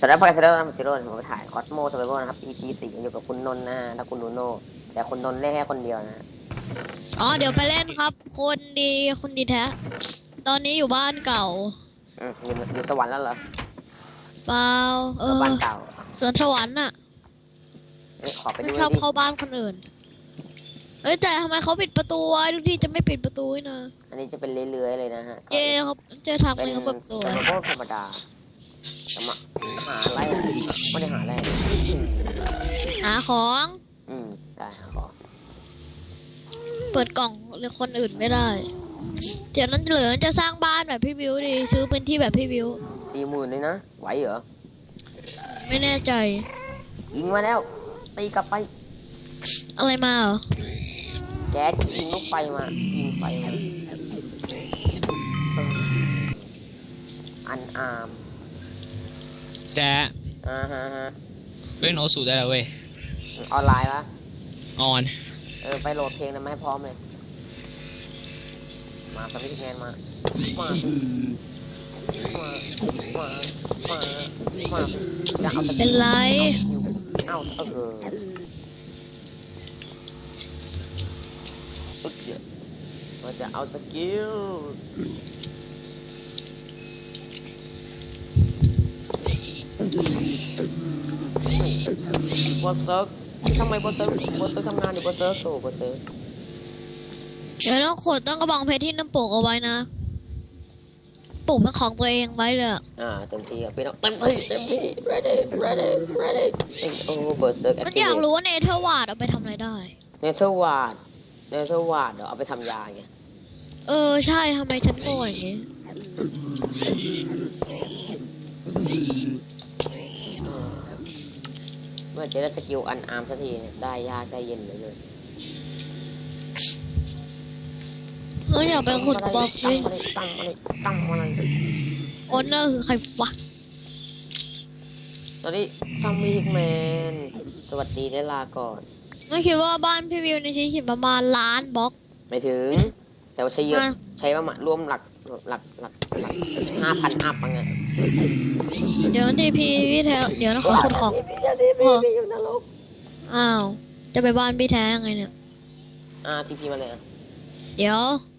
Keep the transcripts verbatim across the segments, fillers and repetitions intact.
สำหรับพายเซอร์นัมซิโร่ผมไปถ่ายคอสโมสเปเวอร์นะครับ อี พี สี่อยู่กับคุณนนท์นะฮะและคุณนูโน่แต่คุณนนท์เล่นแค่คนเดียวนะอ๋อเดี๋ยวไปเล่นครับ คนดีคนดีแท้ ตอนนี้อยู่บ้านเก่าอืมอยู่อยู่สวรรค์แล้วเหรอเปล่าเออบ้านเก่าสวนสวรรค์น่ะเอ้ยขอไปไม่ดูชอบดิเข้าบ้านคนอื่น เอ้ยแต่ทำไมเขาปิดประตูวะทุกที่จะไม่ปิดประตูนี่นะอันนี้จะเป็นเลื้อยๆเลยนะฮะเย่เขาเจอทางเป็นเลยเขาเปิดประตูสโนว์บอลธรรมดาจะมาหาอะไรอ่ะไม่ได้หาอะไรหาของอืมได้หาของเปิดกล่องเลยคนอื่นไม่ได้ เดี๋ยวนั้นเหลือจะสร้างบ้านแบบพี่วิวดิซื้อพื้นที่แบบพี่วิวสี่หมื่นเลยนะไหวเหรอไม่แน่ใจยิงมาแล้วตีกลับไปอะไรมาเหรอแก๊สยิงลูกไฟมายิงไฟมาเอออันอาร์มแจ๊อ่าฮะฮะเล่นโอสูได้แล้วเว้ยออนไลน์ปะออนเออไปโหลดเพลงนะไม่พร้อมเลย มาสวิตช์แมนมา มามามามามาจะเอาเป็นไรเอาเอออุ๊ยเจ๋อมันจะเอาสกิลบอสเซิร์กทำไมบอสเซิร์กบอสเซิร์กทำงานอยู่บอสเซิร์กโอ้บอสเซิร์กเดี๋ยวต้องขดต้องกระบองเพชรที่น้ำปลูกเอาไว้นะปลูกเป็นของตัวเองไว้เลยอะอ่าเต็มที่อ่ะพี่น้องเต็มที่เต็มที่ ready ready ready โอ้บอสเซิร์กมันอยากรู้ว่าเนเธอร์วาร์ดเอาไปทำอะไรได้เนเธอร์วาร์ดเนเธอร์วาร์ดเดี๋ยวเอาไปทำยาไงเออใช่ทำไมฉันโง่อย่างนี้เมื่อจะได้สกิลอันอาร์มสักทีเนี่ยได้ยากได้เย็นเลยเลยเอออยากไปขุดกระบอกเพตั้งชรมาเลยตั้งมาเลยตั้งมาเลยโอนเนอร์คือใครวะตอนนี้ซัมมี่ฮิกแมนสวัสดีได้ลาก่อนไม่คิดว่าบ้านพี่วิวในชิ้นหินประมาณล้านบล็อกไม่ถึง แต่ว่าใช้เยอะอ่ะใช้ประมาณรวมหลักหลักหลักหลักห้าพันอัพมั้งไงเดี๋ยวทีพีพี่แท้เดี๋ยวนะขอขุดของพี่พี่พี่พี่อยู่นรกอ้าวจะไปบ้านพี่แท้ยังไงเนี่ยอ่าทีพีมาเลยอ่ะเดี๋ยว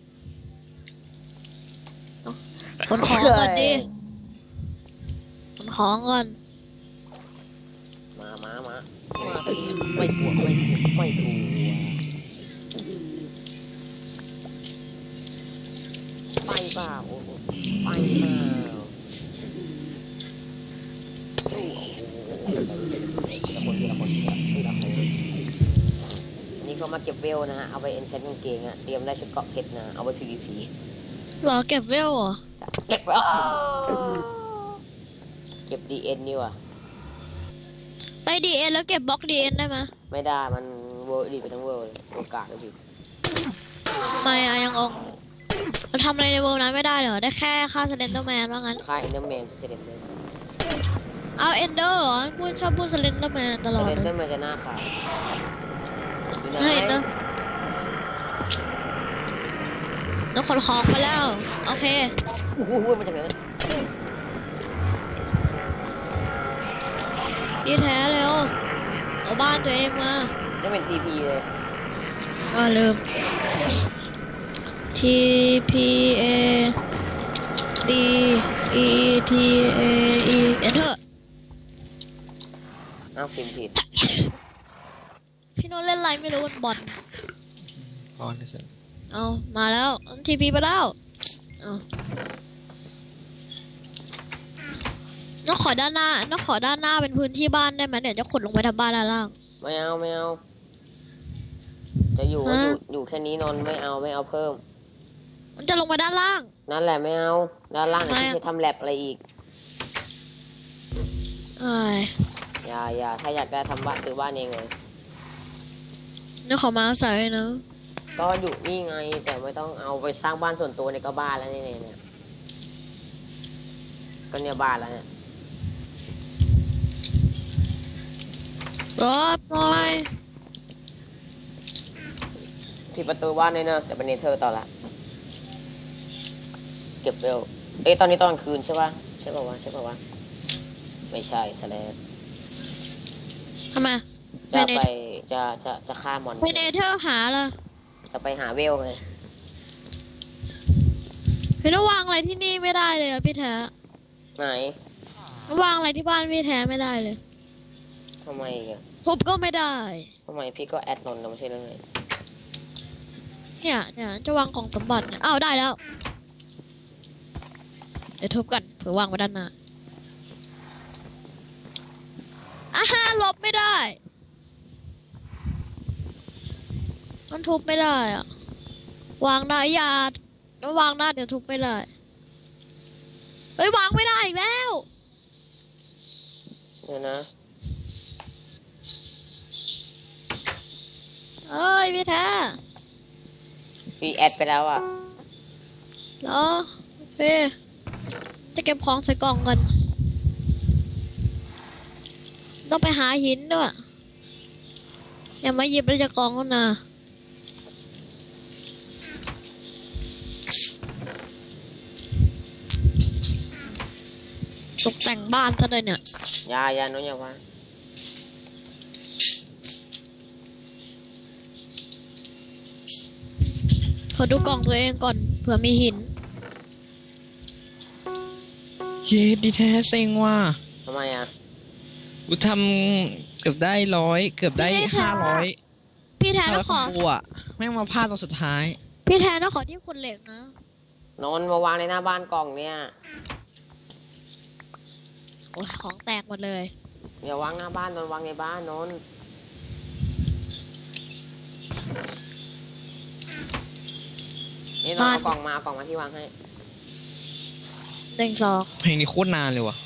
ขนของก่อนดิขนของก่อนมามามามาสิไม่กลัวไม่กลัวไม่กลัวไปเปล่าโอ้โหไปเปล่าสู้โอ้โหทีละคนทีละคนทีละทีละคนนี่ก็มาเก็บเวลนะฮะเอาไปเอ็นเชนกางเกงอ่ะเตรียมได้ชุดเกาะเก็ตนะเอาไว้ พี วี พีรอเก็บเวลเหรอเก็บอ้าวเก็บ ดี เอ็น นี่ว่ะไปดีเอ็นแล้วเก็บบล็อกดีเอ็นได้ไหมไม่ได้มันเวิร์ดีไปทั้งเวิร์เลยโอกาสเลยพี่ไม่อะยังองเราทำอะไรในเวิลด์นั้นไม่ได้เหรอได้แค่ฆ่าสเลนเดอร์แมนว่างั้นค่าเอ็นเดอร์แมนเซเลนเดอร์เอาเอนเดอร์เหรอพูดชอบพูดสเลนเดอร์แมนตลอดเซเลนเลเดอย ร์มันจะหน้าขาวอยู่ไหนเห็นนะน้องขนของไปแล้ว โอเคโอ้โหมันจะเป็นดีแท้เร็วเอาบ้านตัวเองมาไม่เป็น ที พี เลยอ่าลืม T P A D E T A E Enter อ้าวพิมพ์ผิดพี่โน้ตเล่นอะไรไม่รู้บนบอลออนนะจ๊ะเอามาแล้วทีพีไปแล้วเอาน้องขอด้านหน้าน้องขอด้านหน้าเป็นพื้นที่บ้านได้ไหมเดี๋ยวจะขุดลงไปทำบ้านด้านล่างไม่เอาไม่เอาจะอยู่ก็อยู่อยู่แค่นี้นอนไม่เอาไม่เอาเพิ่มมันจะลงไปด้านล่างนั่นแหละไม่เอาด้านล่างไหนไม่ที่เอาจะทำแลบอะไรอีกไอ้ยอย่าอย่าถ้าอยากได้ทำบ้านซื้อบ้านเองเลยน้องขอมาใส่นะก็อยู่นี่ไงแต่ไม่ต้องเอาไปสร้างบ้านส่วนตัวในก็บ้านแล้วนี่เนี่ยก็เนี่ยบ้านแล้วเนี่ยรอบหน่อยที่ประตูบ้านเลยเนอะแต่เป็นเนเธอร์ต่อละเก็บเร็วเอ้ยตอนนี้ตอนกลางคืนใช่ป่ะใช่ป่าววะใช่ป่าววะไม่ใช่สแลบทำไมจะไปไปเนจะจะจะฆ่ามอนไปเนเธอร์หาละจะไปหาเวลไงพี่ต้องวางอะไรที่นี่ไม่ได้เลยอะพี่แท้ไหนวางอะไรที่บ้านพี่แท้ไม่ได้เลยทำไมอีกอะทุบก็ไม่ได้ทำไมพี่ก็แอดนนท์แล้วไม่ใช่เรื่องไงเนี่ยเนี่ยจะวางกล่องสมบัติเนี่ยอ้าวได้แล้ว เดี๋ยวทุบกันเผื่อวางไว้ด้านหน้าอ่าฮะลบไม่ได้ มันทุบไม่ได้อะวางได้อยาแล้ววางได้เดี๋ยวทุบไม่ได้เฮ้ยวางไม่ได้อีกแล้วเดี๋ยวนะเอ้ยพี่แท้พี่แอดไปแล้วอ่ะเหรอเป้จะเก็บของใส่กล่องกันต้องไปหาหินด้วยอย่ามาหยิบแล้วจะกล่องกันนะตกแต่งบ้านซะเลยเนี่ยอยาอยาโน้นอย่าวางขอดูกล่องตัวเองก่อนเผื่อมีหินเย็ดดีแท้เซ็งว่ะทำไมอ่ะกูทำเกือบได้ร้อยเกือบได้พี่แท้ห้าร้อยพี่แทนห้าร้ต้ออย งขอกูอ่ะแม่งมาพลาดตอนสุดท้ายพี่แทนต้องขอที่ขุดเหล็กนะนนท์มาวางในหน้าบ้านกล่องเนี่ยโอ้ยของแตกหมดเลยอย่าวางหน้าบ้านนนท์วางในบ้านนนท์นี่นนท์เอากล่องมาเอากล่องมาที่วางให้เด้งสองเพลงนี้โคตรนานเลยว่ะ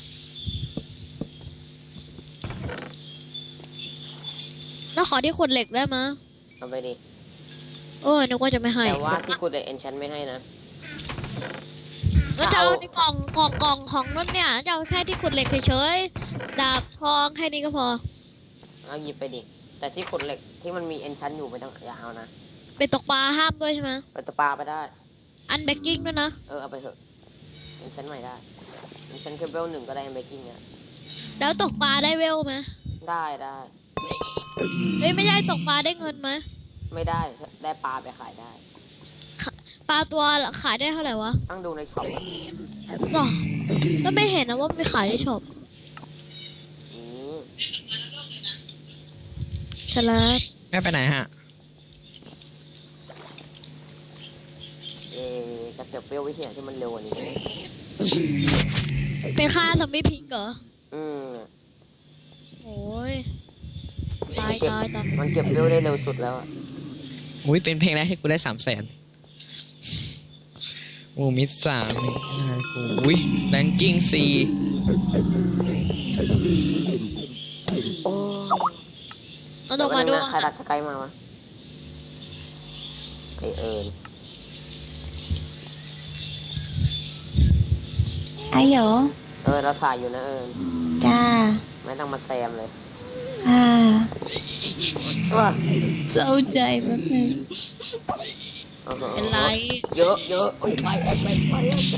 แล้วขอที่ขุดเหล็กได้มะเอาไปดิโอ้ยนึกว่าจะไม่ให้แต่ว่าที่กูได้เอนชันไม่ให้นะแล้วจะเอาในกล่องกล่องกล่องของนั่นเนี่ยจะเอาแค่ที่ขุดเหล็กเฉยๆดาบทองแค่นี้ก็พอเอาหยิบไปดิ แต่ที่ขุดเหล็กที่มันมีเอนชันอยู่ไม่ต้องอย่าเอานะไปตกปลาห้ามด้วยใช่ไหมไปตะปาไปได้อันเบกกิ้งด้วยนะเออเอาไปเถอะเอนชันใหม่ได้เอนชันเคเบิลหนึ่งก็ได้เบกกิ้งเนี่ยแล้วตกปลาได้เวลไหมได้ได้เฮ้ยไม่ใช่ตกปลาได้เงินไหมไม่ได้ได้ปลาไปขายได้ปลาตัวขายได้เท่าไหร่วะต้องดูในช็อปหรอแล้วไม่เห็นนะว่าไปขายในช็อปนี่ฉลาดแม่ไปไหนฮะเออจะเก็บเวลไว้ที่ไหนที่มันเร็วกว่านี้เป็นค่าซอมบี้พิงเหรออืมโอ้ยตายตายตายมันเก็บเวลได้เร็วสุดแล้วอะอุ้ยเป็นเพลงแรกที่กูได้สามแสนโอ้มิดสามนี่กูอุ้ยแรงกิ้งสี่โอ้เอาตกมาดูใครดักสกายมาวะไอเอิญไอ้เหรอเออเราถ่ายอยู่นะเอิญจ้าไม่ต้องมาแซมเลยอ่าว่าเศร้าใจแป๊บนึงโอ้โหเป็นไรเยอะเยอะโอ้ยไปไปไปไปไป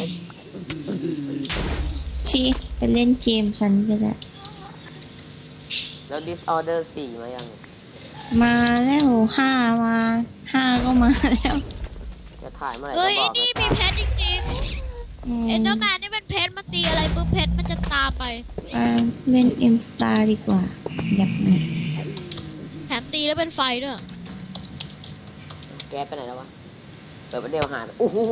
ชี้ไปเล่นเกมฉันก็ได้แล้ว disorder สี่มายังมาแล้วห้ามาห้าก็มาแล้วจะถ่ายเมื่อไหร่เฮ้ก็ยบอกนี่มีนะเพชรจริงอืมๆเอ็นเดอร์แมนนี่เป็นเพชรมาตีอะไรปุ๊บเพชรมันจะตามไปไปเล่นเอ็มสตาร์ดีกว่าหยับหน่อยแถมตีแล้วเป็นไฟด้วยแกไปไหนแล้ววะเปิดประเดี๋ยวหาโอ้โห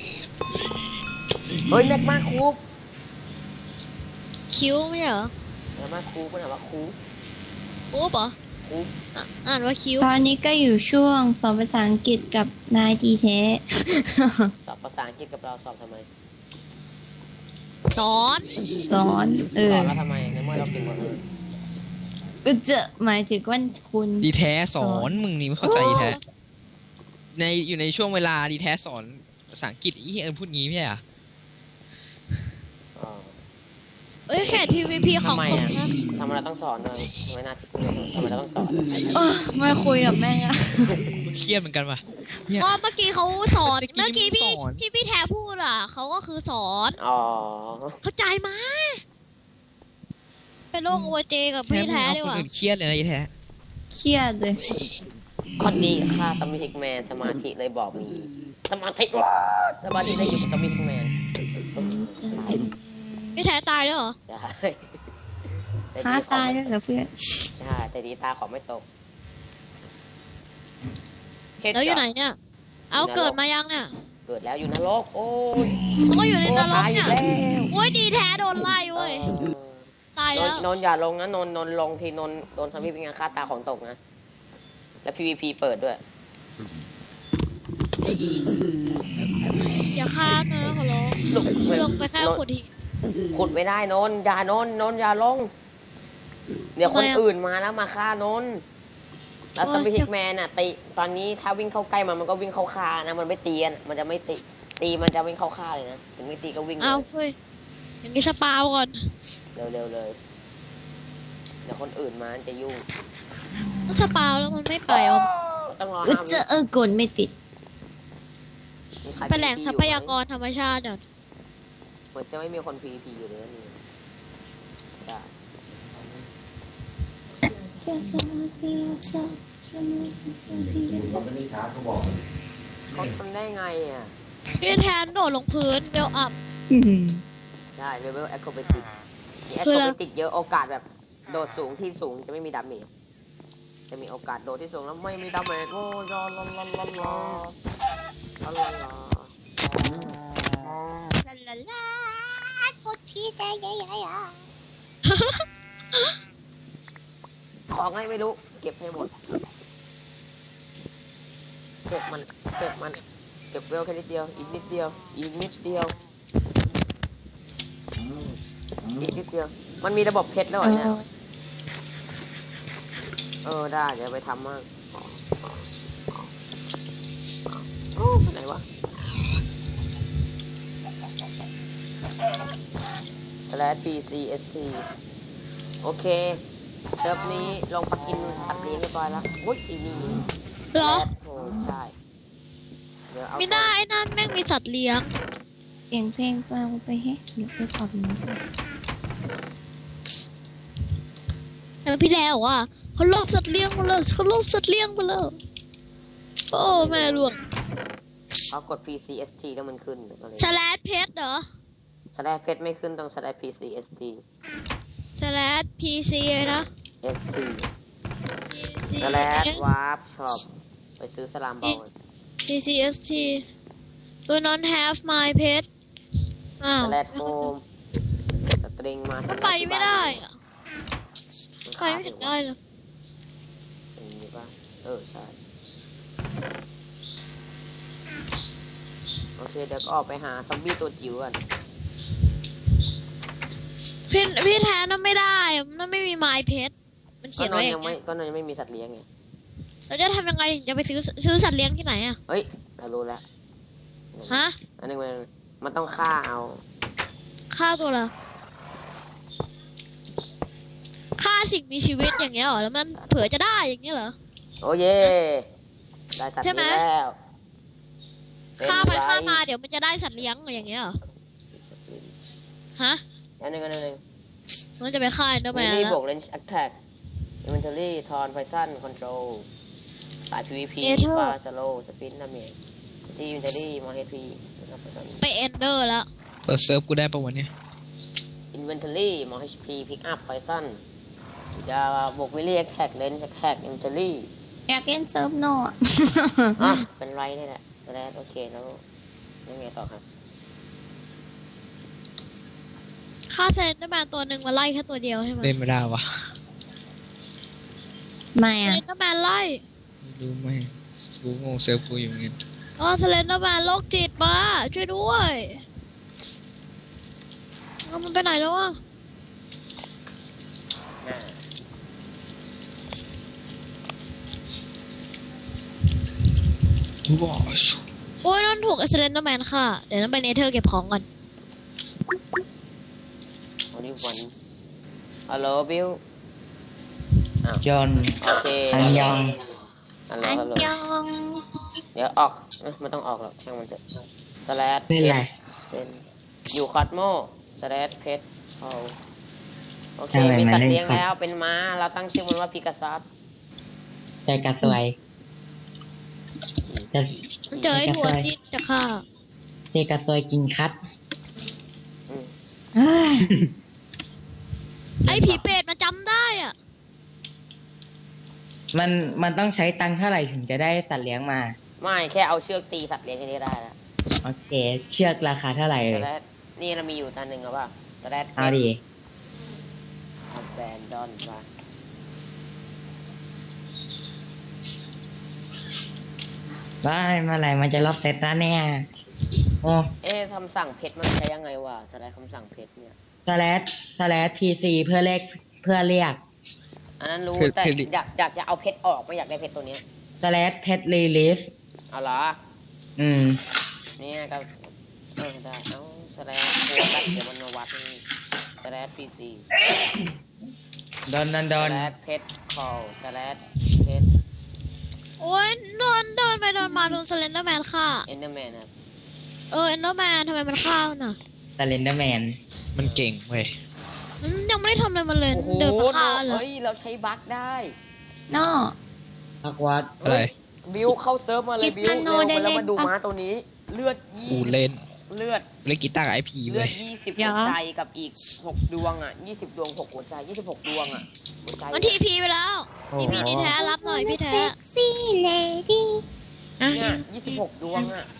เฮ้ยแม็กมาคูปคิ้วไม่ใช่เหรอแม็กมาคูปมันถามว่าคูปปุ๊บเหรอคูปอ่ะอ่านว่าคิ้วตอนนี้ก็อยู่ช่วงสอนภาษาอังกฤษกับนายดีแท้สอบภาษาอังกฤษกับเราสอบทำไมสอนสอนเอสออนแล้วทำไมในเมื่อเราเก่งกว่าเออเออจะหมายถึงว่าคุณดีแท้สอนมึงนี่ไม่เข้าใจดีแท้ในอยู่ในช่วงเวลาดีแท้สอนภาษาอังกฤษอีเอิญพูดงี้ไม่ใช่เหรออ๋อเอ้ยแค่ พี วี พี ของทำไมตกอ่ะนะทำไมเราต้องสอนเลยทำไมน่าคิดทำไมเราต้องสอนเออไม่คุยกับแม่งอะกูเครียดเหมือนกันว่ะเนี่ยก็เมื่อกี้เขาสอนเมื่เมื่ออกี้กี้พี่สอนพี่พี่แทพูดอ่ะเขาก็คือสอนอ๋อเข้าใจไหมไปโลกโอเจกับพี่แท้ดีกว่าคนอื่นเครียดเลยนะไอ้แท้เครียดเลยข้อดีค่าสมิธิกแมนสมาธิเลยบอกมีสมาธิว้าสมาธิได้อยู่กับสมิธิกแมนพี่แท้ตายแล้วเหรอได้แต่หาดีขอตายแล้วเหรอเพื่อนใช่แต่ดีตาของไม่ตกแล้วอยู่ไหนเนี่ย เอาเกิดมายังเนี่ยเกิดแล้วอยู่นรกโอ้ยเขาก็อยู่ในนรกตายอีเนี่ยกแล้วโอ้ยดีแท้โดนไล่เว้ยเออตายนแล้วนนนอย่าลงนะนนนนลงทีนนโดนทำให้เป็นงานฆ่าตาของตกนะ แล้ว พี วี พี เปิดด้วยอย่าฆ่านะขอร้องลงลงไปแค่ขุดทีขุดไม่ได้นนอย่านนนนอย่าลง เดี๋ยวคนทำไมอะอื่นมาแล้วมาฆ่านนแล้วโอ้สยปิชิกแมนอ่ะตีตอนนี้ถ้าวิ่งเข้าใกล้มันมันก็วิ่งเข้าฆ่านะมันไม่ตีอะมันจะไม่ตีตีมันจะวิ่งเข้าฆ่าเลยนะถึงไม่ตีก็วิ่งเลเอายเฮ้ยอย่างนี้สปาวก่อนเร็วๆเลย เดี๋ยวคนอื่นมาจะยุ่งต้องสปาวแล้วมันไม่ไปเอาต้องรอเออห้าเจวิอเออกดไม่ติดมีใครไปแหล่งพีทรัพีพอยู่ไหมยากรธรรมชาติเดี๋ยวเหมือนจะไม่มีคน พี วี พี อยู่เลยนะนี่ใช่จะจะจะจะเขาทำได้ไงอ่ะพี่แทนโดดลงพื้นเบลอัพอืมใช่เลเวลแอคโครบติกมีแอคคืโคอรอะไรบติกเยอะโอกาสแบบโดดสูงที่สูงจะไม่มีดาเมจจะมีโอกาสโดดที่สูงแล้วไม่มีดาเมจโอ้ยอลลลลลลลลลลลาลาลากดทีใจใหญ่ใหญ่อะของไงไม่รู้เก็บให้หมดเก็บมันเก็บมันเก็บเวลแค่นิดเดียวอีกนิดเดียวอีกนิดเดียวอีกนิดเดียวมันมีระบบเพชรแล้วเหรอเนี่ยเออได้เดี๋ยวไปทำมั่งโอ้ไปไหนวะแล้ว ปี ซี เอส ที โอเคเซิร์ฟนี้ลงปลักอินสัตว์เลี้ยงเรียบร้อยแล้วอุ้ยอีนี่เหรอแรดโอ้ใช่เดี๋ยวเอาไม่ได้ไอ้นั่นแม่งมีสัตว์เลี้ยงเสียงเพลงฟังไปเฮ้เดี๋ยวไปปรับมันแต่พี่แทนบอกว่าเขาลบสัตว์เลี้ยงมาแล้วเขาลบสัตว์เลี้ยงมาแล้วโอ้แม่หลวงเอากด พี ซี เอส ที แล้วมันขึ้นอะไรสแลดเพชรเหรอสแลชเพชรไม่ขึ้นต้องสแลช พี ซี เอส ทีสแลดพีซีนะเอส ทีพีซีสแลชเอสวาร์ปช็อปไปซื้อสลามบอลพีซีเอสทีตัวนั้น have my pet อ้าวสแลชโฮมสตริงมาก็ไปไม่ได้อะมันไปไม่ถึงได้เลยเป็นอย่างนี้ป่ะเออใช่โอเคเดี๋ยวก็ออกไปหาซอมบี้ตัวจิ๋วกันพี่พี่แทนน่ะไม่ได้อะมันไม่มี my pet มันเขียนก็นไว้นอยัย่าง งไม่เงี้ยก็นนยังไม่มีสัตว์เลี้ยงไงเราจะทำยังไงถึงจะไปซื้อซื้อสัตว์เลี้ยงที่ไหนอะเฮ้ยเรารู้แล้วฮะอันนึงมันมันต้องฆ่าเอาฆ่าตัวละฆ่าสิ่งมีชีวิตอย่างเงี้ยเหรอแล้วมันเผื่อจะได้อย่างเงี้ยเหรอโอ้เย่ได้สัตว์ใช่ไหมเลี้ยงแล้วฆ่าไปเป็นรฆ่ามาเดี๋ยวมันจะได้สัตว์เลี้ยงอย่างเงี้ยเหรอฮะอันหนึงอันหนึงอันหนึงมันจะไปฆ่าเดอร์แมนนี่แล้บววก range attack inventory ทอน poison control สาย พี วี พี Nether ฟาสโลสปินดาเมจที่ inventory มอ เอช พี นะครับไปเอนเดอร์แล้วเปิดเซิร์ฟกูได้ปะวันเนี้ย inventory มอ เอช พี pick up poison จะบวก melee attack range attack inventory อยากเล่นเซิร์ฟโนอะอ่ะเป็นไรนี่แหละแล้วโอเคแล้วยังไงต่อครับฆ่าเซนเดอร์แมนตัวหนึ่งมาไล่แค่ตัวเดียวใช่ไหมเล่นไม่ได้วะไม่เซอะนเดอร์แมนไล่ไม่รู้ไหมกูงงเซิร์ฟกูอยู่เงี้ยอ๋อเซนเดอร์แมนโรคจิตมาช่วยด้วยเอามันไปไหนแล้ววะว้าวโอ้ยนั่นถูกเซนเดอร์แมนค่ะเดี๋ยวนั้นไปเนเธอร์เก็บของก่อน only once hello Bill จอนโอเคอันยองฮัลโหลอันฮัลโหลยองเดี๋ยวออกเอ้ยไม่ต้องออกหรอกช่างมันจะสแลดนี่แหละเซนอยู่คอสโมสแลดเพชรเอาโอโอเคมีสัตว์เลี้ยงแล้วเป็นม้าเราตั้งชื่อมันว่าพิกาซัสใจกระสวยจะมันเจอไอ้ทัวที่จะฆ่าใจกระสวยกินคัดอืมเอ้ยไอ้ผีเป็ดมันจำได้อ่ะมันมันต้องใช้ตังค์เท่าไหร่ถึงจะได้สัตว์เลี้ยงมาไม่แค่เอาเชือกตีสัตว์เลี้ยงแค่นี้ได้แล้วโอเค เชือกราคาเท่าไหร่สเลยแลดนี่เรามีอยู่ตัวหนึ่งหรือเปล่าสแลดเอาดิเอาแบนดอนมาว่าเมื่อไหร่มันจะรอบเซตแล้วเนี่ยโอ้เอ๊ะคำสั่งเพชรมันใช้ยังไงวะสแลดคำสั่งเพชรเนี่ยสแลชสแลชทีซีเพื่อเลขเพื่อเรียกอันนั้นรู้คือแต่คืออยากอยากจะเอาเพชรออกไม่อยากได้เพชรตัวเนี้ยสแลชเพชรรีลิสเอาเหรออืมเนี่ยก็เออได้เอาสแลดโคกัสเดี๋ยวมันมาวัดนี่สแลดพีซีดอนดอนดสอนแลดเพชรคอลสแลดเพชรโอ้ยเดินเดินไปเดินมาโดนสเลนเดอร์แมนฆ่าเอนเดอร์แมนครับเออเอนเดอร์แมนทำไมมันฆ่ามันน่ะสเลนเดอร์แมนมันเก่งเว้ยมันยังไม่ได้ทำอะไรมันเลยโอ้โหเดินมาฆ่าเลยเฮ้ยเราใช้บั๊กได้นอพักวัดอะไรบิวเข้าเซิร์ฟมาเลยคิดบิวอันโนเร็วได้แล้วมาเล่นดูปะม้าตัวนี้ เลือดยี่กูเล่นเลือดเล่นกีตาร์กับไอพีเลืเว้อย ดยี่สิบเดี๋หัยว วใจกับอีกหกดวงอ่ะยี่สิบดวงหกหัวใจยี่สิบหกดวงอ่ะหัวใจมันทีพีไปแล้วทีพีดีแท้รับหน่อยพี่แท้เซ็กซี่เลดี้เนี่ยยี่สิบหกดวงอ่ะ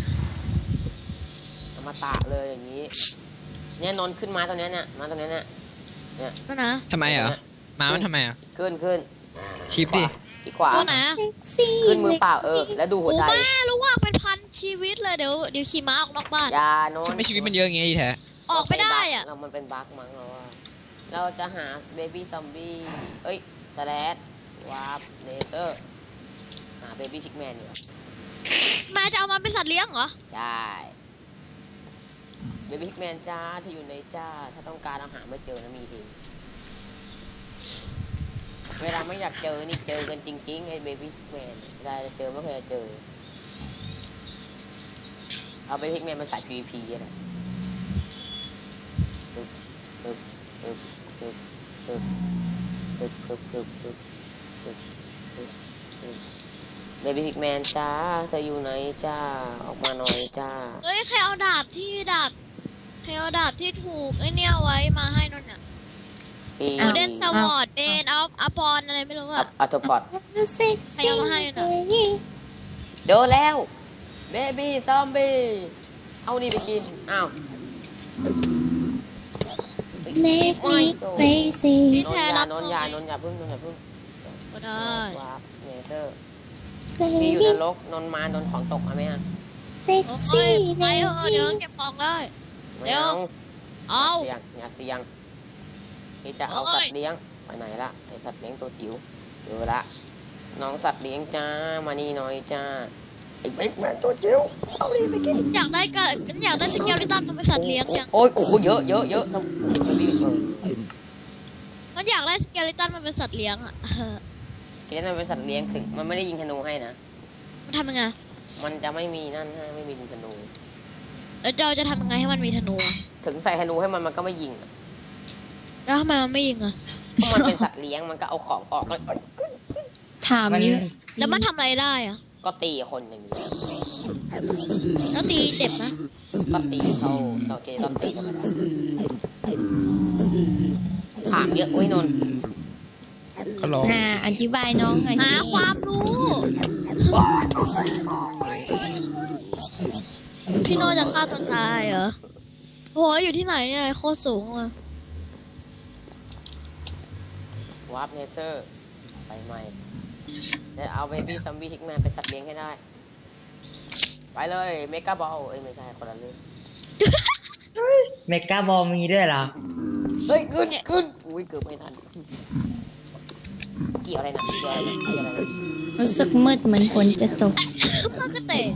อมตะเลยอย่างนี้ เนี่ยนอนขึ้นม้าตัวเนี้ยเนี่ยม้าตัวเนี้ยเนี่ยนั่นนะทำไมเหรอมามันทำไมอ่ะขึ้นขึ้นชิปดิที่ขวาตัวไหนอะเซ็กซี่ขึ้นมือเปล่าเออ แล้วดูหัวโอ้ใจแม่รู้ว่าเป็นพันชีวิตเลยเดี๋ยวเดี๋ยวขี่ม้าออกนอกบ้านอยาโนนทำไมชีวิตมันเยอะอย่างงี้ดีแท้ออกไม่ได้อ่ะเรามันเป็นบั๊กมั้งเราว่า เราจะหาเบบี้ซอมบี้ เอ้ยสแลดวาร์ปเนเตอร์ หาเบบี้พิกแมนอยู่แม่จะเอามาเป็นสัตว์เลี้ยงเหรอใช่เบบี้พิกแมนจ้าที่อยู่ในจ้า ถ้าต้องการเราหาไม่เจอนะมีทีเวลาไม่อยากเจอนี่เจอกันจริงๆไอ้เบบี้พิกแมนเวลาจะเจอไม่เคยจะเจอ เอาเบบี้พิกแมนมันใส่ พี วี พี อะนะตึ๊บตึ๊บตึ๊บตึ๊บตึ๊บตึ๊บตึ๊บตึ๊บตึ๊บตึ๊บตึ๊บตึ๊บเบบี้พิกแมนจ้าเธออยู่ไหนจ้าออกมาหน่อยจ้าเอ้ยใครเอาดาบที่ดาบใครเอาดาบที่ถูกไอ้เนี่ยไว้มาให้นนท์น่ะปีโอเดนสวอร์ดเบนเอาอปอนอะไรไม่รู้อัอ่ะพอัตโตพอดเซ็กซี่เลดี้โดนแล้วเบบี้ซอมบี้เอานี่ไปกินอ้าวเมคมีเครซี่พี่นนแท้ยารับนหน่นอยยานนยาพึ่งนนยาพึ่งก็ได้วาร์ปเนเธอร์เลพี่อยู่ดี้นรกนนมาโดนของตกมาไหมอ่ะเซ็กโอ้ซี่ยเลไปเถอะเดี๋ยวดี้เก็บของได้ไม่เดี๋ยวเอาเอาเสียงอย่าเสียงพี่จะเอาโอ้ยสัตว์เลี้ยงไปไหนละไอสัตว์เลี้ยงตัวจิ๋วเดี๋ยวละน้องสัตว์เลี้ยงจ้ามานี่หน่อยจ้าไอ้เบ็กแมนตัวจิ๋วเอานี่ไปกินอยากได้ก็อยากได้สเกลลิตันมันเป็นสัตว์เลี้ยงยังโอ้ยโอ้โหเยอะเยอะเยอะต้องรีบเออมันอยากได้สเกลลิตันมันเป็นสัตว์เลี้ยงอ่ะ เออทีนี้มันเป็นสัตว์เลี้ยงถึงมันไม่ได้ยิงธนูให้นะมันทำยังไงมันจะไม่มีนั่นให้ไม่มียิงธนูแล้วเราจะทำยังไงให้มันมีธนูอะถึงใส่ธนูให้มันมันก็ไม่ยิงอะแล้วทำไมมันไม่ยิงอ่ะเพราะมันเป็นสัตว์เลี้ยงมันก็เอาของออกแล้วเอ้ยถามมันเยอะแล้วมันทำอะไรได้อ่ะก็ตีคนอย่างนี้แล้วตีเจ็บนะก็ตีเขาเราเกต้องตีธรรมดาถามเยอะอุ้ยนนท์ก็ลองน่าอธิบายน้องหน่อยหาสิความรู้ พี่โนจะฆ่าตัวตายเหรอโหอยู่ที่ไหนเนี่ยโคตรสูงเลยวาร์ปเนเธอร์ไปใหม่จะเอาเบบี้ซัมบี้ทิกแมนไปสัตว์เลี้ยงให้ได้ ไปเลยเมกาบอลเอ้ยไม่ใช่คนละเรื่องเมกาบอลมีด้วยเหรอเฮ้ยขึ้นขึ้นอุ้ยเกือบไม่ทันเกี่ยวอะไรนะเกี่ยวอะไรนะเกี่ยวอะไรนะรู้สึกมืดเหมือนฝนจะตกมันก็เตะ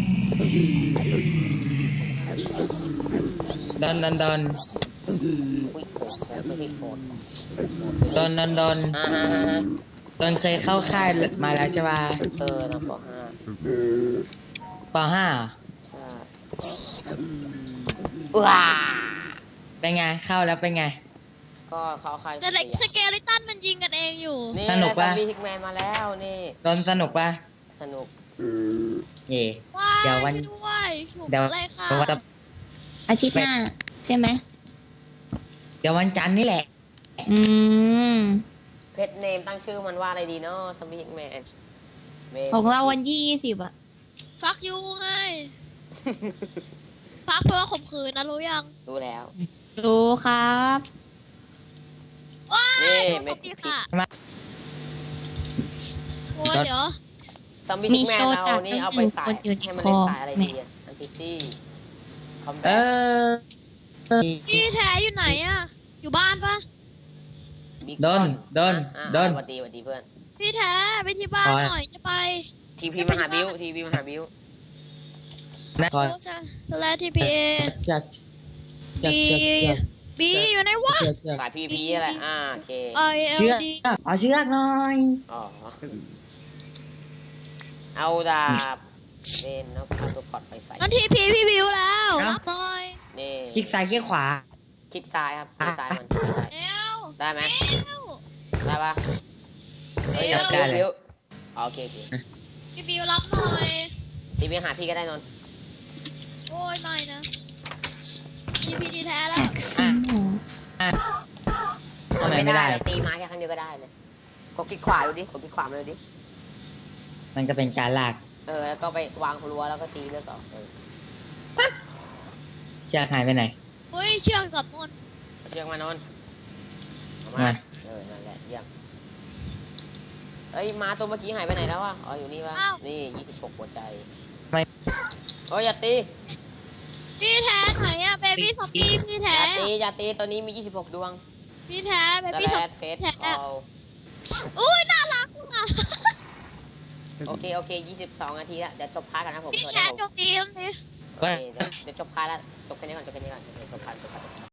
ดอนดอนดอนอุ้ยโหดไม่ใช่โหดดอนดอนดอนอ่าฮะฮะฮะดอนเคยเข้าค่ายมาแล้วใช่ป่ะเออนะปห้าปห้าใช่ว้าเป็นไงเข้าแล้วเป็นไงก็เขาเอาใครแต่เด็กสเกลิตันมันยิงกันเองอยู่นี่สนุกได้ปะซอมบี้ฮิกแมนมาแล้วนี่โดนสนุกปะสนุกเย่ว้ายเดี๋ยววันช่ด้วยถูกเดี๋ยวอะไรค่ะเดี๋ยววันจะอาทิตย์หน้า ใช่ไหมเดี๋ยววันจันทร์นี่แหละอืมเพชรเนมตั้งชื่อมันว่าอะไรดีเนาะซอมบี้ฮิกแมนของเราวันที่ยี่สิบอะฟักยูไง ฟักเพราะว่าข่มขืนนะรู้ยังรู้แล้วดูครับว้ายนี่โดนเมซอมจิบี้พิค่ะกโอ้ยเดี๋ยวซอมบี้มีฮิกแมนโชว์เราจากนี่ตั้งเอาหไปนึ่งใส่คนอยู่ในให้มันคอเล่นสายอะไรดีอะอันติตี้คอมแบเอทอพี่แท้อยู่ไหนอะอยู่บ้านปะบิ๊กโดนบอลโดนอ่ะโดนสวัสดีสวัสดีเพื่อนพี่แท้ไปที่บ้านอ๋อหน่อยจะไปทีพีมาหาบิวทีพีมาหาบิวนะคอยโอ้จะจะแลทีพีเอเชือกเชือกเชือกเชือกบีอยู่ไหนวะเชือกเชือกสายพีพีอะไรอ่าโอเคไอเอลเชือกดีขอเชือกหน่อยอ๋อเอาดาบเล่นแล้วพาตัวกอดไปใส่นั่นทีพีพี่บิวแล้วรับหน่อยนี่คลิกซ้ายคลิกขวาคลิกซ้ายครับคลิกซ้ายมันคลิกซ้ายเอวได้ไหมเอวได้ปะเฮ้ยเดี๋ยวบิวบิวอ๋อโอเคโอเคพี่บิวรับหน่อยทีพีหาพี่ก็ได้นนท์โอ้ยไม่นะทีพีดีแท้แล้วแอ็กซ์โมทำไมไม่ได้เราตีไม้แค่ครั้งเดียวก็ได้เลยกดคลิกขวาดูดิกดคลิกขวามาดูดิมันก็เป็นการลากเออแล้วก็ไปวางรั้วแล้วก็ตีเลือกต่อเออเชือกหายไปไหนเฮ้ยเชื่อมกับนนท์เอาเชือกมานนท์เอามามาเออนั่นแหละเยี่ยมเอ้ยม้าตัวเมื่อกี้หายไปไหนแล้ววะอ๋ออยู่นี่วะนี่ยี่สิบหกหัวใจไม่โอ้ยอย่าตีพี่แท้ไหนอะเบบี้ซอมบี้พี่อแท้ย่าตีอย่าตีตัวนี้มียี่สิบหกดวงพี่แท้เบสบี้ซแลอมดเฟสแท้เอาอุ้ยน่ารักอ่ะโอเคโอเคยี่สิบสองนาทีแล้วเดี๋ยวจบพาร์ทกันนะผมพี่สวัสดีแท้ครับโจมตีนั่นดิโอเคเดี๋ยวเดี๋ยวจบพาร์ทแล้วจบแค่นี้ก่อนจบแค่นี้ก่อนเดี๋ยวจบพาร์ทจบพาร์ท